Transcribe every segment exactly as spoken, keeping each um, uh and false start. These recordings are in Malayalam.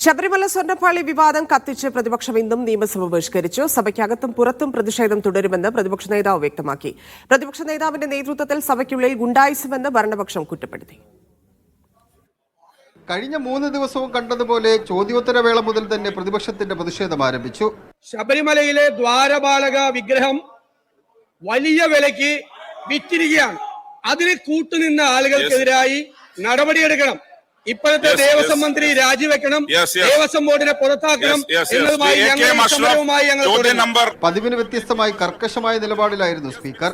ശബരിമല സ്വർണ്ണപ്പാളി വിവാദം കത്തിച്ച് പ്രതിപക്ഷം ഇന്നും നിയമസഭ ബഹിഷ്കരിച്ചു. സഭയ്ക്കകത്തും പുറത്തും പ്രതിഷേധം തുടരുമെന്ന് പ്രതിപക്ഷ നേതാവ് വ്യക്തമാക്കി. പ്രതിപക്ഷ നേതാവിന്റെ നേതൃത്വത്തിൽ സഭയ്ക്കുള്ളിൽ ഗുണ്ടായിസമെന്ന് ഭരണപക്ഷം കുറ്റപ്പെടുത്തി. കഴിഞ്ഞ മൂന്ന് ദിവസവും കണ്ടതുപോലെ ചോദ്യോത്തരവേള മുതൽ തന്നെ പ്രതിപക്ഷത്തിന്റെ പ്രതിഷേധം ആരംഭിച്ചു. ശബരിമലയിലെ ദ്വാരപാലക വിഗ്രഹം വലിയ വിലയ്ക്ക് വിറ്റിരിക്കുകയാണ്. അതിന് കൂട്ടുനിന്ന ആളുകൾക്കെതിരായി നടപടിയെടുക്കണം. ഇപ്പോഴത്തെ ദേവസ്വം മന്ത്രി രാജിവെക്കണം, ദേവസ്വം ബോർഡിനെ പുറത്താക്കണം എന്നതുമായി ഞങ്ങൾ പതിവിന് വ്യത്യസ്തമായി കർക്കശമായ നിലപാടിലായിരുന്നു സ്പീക്കർ.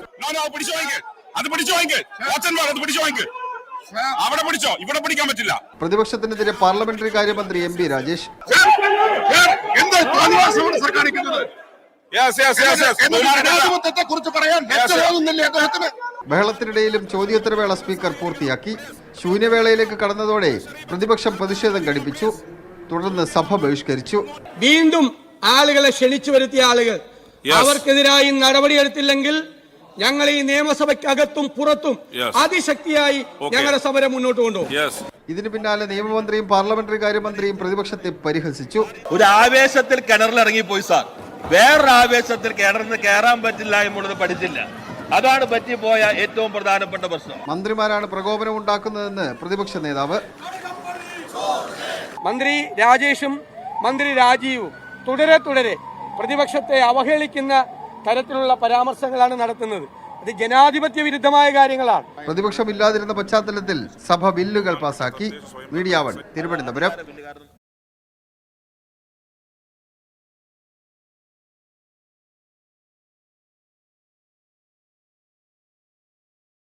പ്രതിപക്ഷത്തിനെതിരെ പാർലമെന്ററി കാര്യമന്ത്രി എം പി രാജേഷ് ബഹളത്തിനിടയിലും ചോദ്യോത്തരവേള സ്പീക്കർ പൂർത്തിയാക്കി. ശൂന്യവേളയിലേക്ക് കടന്നതോടെ പ്രതിപക്ഷം പ്രതിഷേധം ഘടിപ്പിച്ചു. തുടർന്ന് സഭ ബഹിഷ്കരിച്ചു. വീണ്ടും ആളുകളെ ക്ഷണിച്ചു വരുത്തിയ ആളുകൾ അവർക്കെതിരായി നടപടിയെടുത്തില്ലെങ്കിൽ ഞങ്ങൾ ഈ നിയമസഭയ്ക്കകത്തും പുറത്തും അതിശക്തിയായി ഞങ്ങളുടെ സമരം മുന്നോട്ട് കൊണ്ടുപോകും. ഇതിന് പിന്നാലെ നിയമമന്ത്രിയും പാർലമെന്ററി കാര്യമന്ത്രിയും പ്രതിപക്ഷത്തെ പരിഹസിച്ചു. ഒരു ആവേശത്തിൽ കിണറിലിറങ്ങിപ്പോയി സാർ, വേറൊരു ആവേശത്തിൽ കിണറിന് കയറാൻ പറ്റില്ല എന്നുള്ളത് പഠിച്ചില്ല. അതാണ് പറ്റിപ്പോയ ഏറ്റവും പ്രധാനപ്പെട്ട പ്രശ്നം. മന്ത്രിമാരാണ് പ്രകോപനം ഉണ്ടാക്കുന്നതെന്ന് പ്രതിപക്ഷ നേതാവ്. മന്ത്രി രാജേഷും മന്ത്രി രാജീവും തുടരെ തുടരെ പ്രതിപക്ഷത്തെ അവഹേളിക്കുന്ന തരത്തിലുള്ള പരാമർശങ്ങളാണ് നടത്തുന്നത്. അത് ജനാധിപത്യ വിരുദ്ധമായ കാര്യങ്ങളാണ്. പ്രതിപക്ഷമില്ലാതിരുന്ന പശ്ചാത്തലത്തിൽ സഭ ബില്ലുകൾ പാസാക്കി. Media one Thiruvananthapuram.